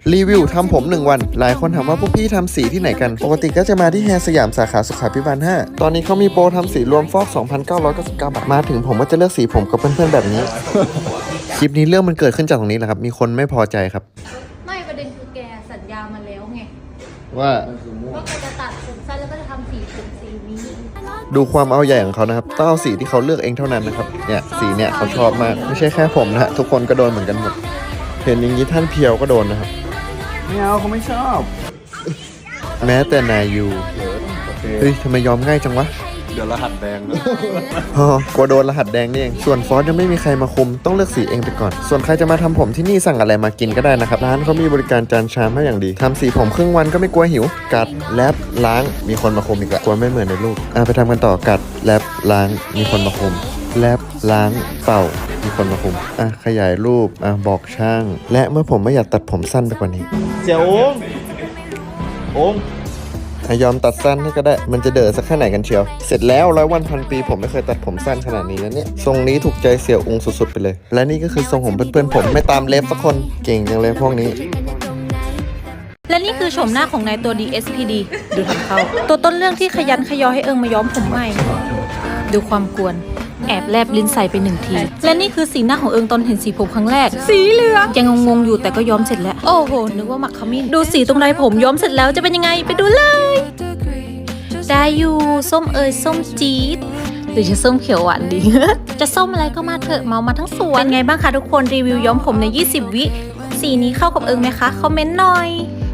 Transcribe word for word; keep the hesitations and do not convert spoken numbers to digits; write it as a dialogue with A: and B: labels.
A: รีวิวทำผมหนึ่งวันหลายคนถามว่าพวกพี่ทำสีที่ไหนกันปกติก็จะมาที่แฮร์สยามสาขาสุขาภิบาลห้าตอนนี้เขามีโปรทำสีรวมฟอก สองพันเก้าร้อยเก้าสิบเก้า บาทมาถึงผมก็จะเลือกสีผมกับเพื่อนๆแบบนี้ คลิปนี้เรื่องมันเกิดขึ้นจากตรงนี้แหละครับมีคนไม่พอใจครับ
B: ไม่ประเด็นคือแกสัญญามาแล้วไง
A: ว่า
B: ว่าแกจะตัดผมสั้นแล้วก็จะทำสีผมสีนี้
A: ดูความเอาใหญ่ของเขานะครับต้องเอาสีที่เขาเลือกเองเท่านั้นนะครับเนี่ยสีเนี่ยเขาชอบมากไม่ใช่แค่ผมนะฮะทุกคนก็โดนเหมือนกันหมดเห็นอย่างนี้ท่านเพียวก็โดนนะครับ
C: ไม่เอาเขาไม่ชอบ
A: แม้แต่นายยูเฮ้ยทำไมยอมง่ายจังวะ
C: เดี๋ยวรหัสแดงนะ
A: อ๋อกลัวโดนรหัสแดงนี่เองส่วนฟอสยังไม่มีใครมาคุมต้องเลือกสีเองไปก่อนส่วนใครจะมาทำผมที่นี่สั่งอะไรมากินก็ได้นะครับร้านเขามีบริการจานชามให้อย่างดีทำสีผมครึ่งวันก็ไม่กลัวหิวกัดแลบล้างมีคนมาคุมอีกละกลัวไม่เหมือนในรูปอ่ะไปทำกันต่อกัดแลบล้างมีคนมาคุมแลบล้างเป่ามีคนมาคุมอ่ะขยายรูปอ่ะบอกช่างและเมื่อผมไม่อยากตัดผมสั้นไปกว่านี้
C: เสี่ยวององ
A: ยอมตัดสั้นให้ก็ได้มันจะเด๋อสักแค่ไหนกันเชียวเสร็จแล้วร้อยวันพันปีผมไม่เคยตัดผมสั้นขนาดนี้นะเนี่ยทรงนี้ถูกใจเสี่ยวอุงสุดๆไปเลยและนี่ก็คือทรงผมเพื่อนๆผมไม่ตามเล็บสักคนเก่งจังเลยพวกนี้
B: และนี่คือโฉมหน้าของนายตัว ดี เอส พี ดี ดูทำเขาตัวต้นเรื่องที่ขยันขยอให้เอิงมาย้อมผมใหม่ดูความกวนแอบแลบลิ้นใส่ไปหนึ่งทีและนี่คือสีหน้าของเอิงตอนเห็นสีผมครั้งแรกสีเหลืองยังงงๆอยู่แต่ก็ย้อมเสร็จแล้วโอ้โหนึกว่าหมักขมิ้นดูสีตรงไรผมย้อมเสร็จแล้วจะเป็นยังไงไปดูเลยได้อยู่ส้มเอยส้มจี๊ดหรือจะส้มเขียวหวานดี จะส้มอะไรก็มาเถอะเมามาทั้งสวนเป็นไงบ้างคะทุกคนรีวิวย้อมผมในยี่สิบวิสีนี้เข้ากับเอิงไหมคะคอมเมนต์หน่อย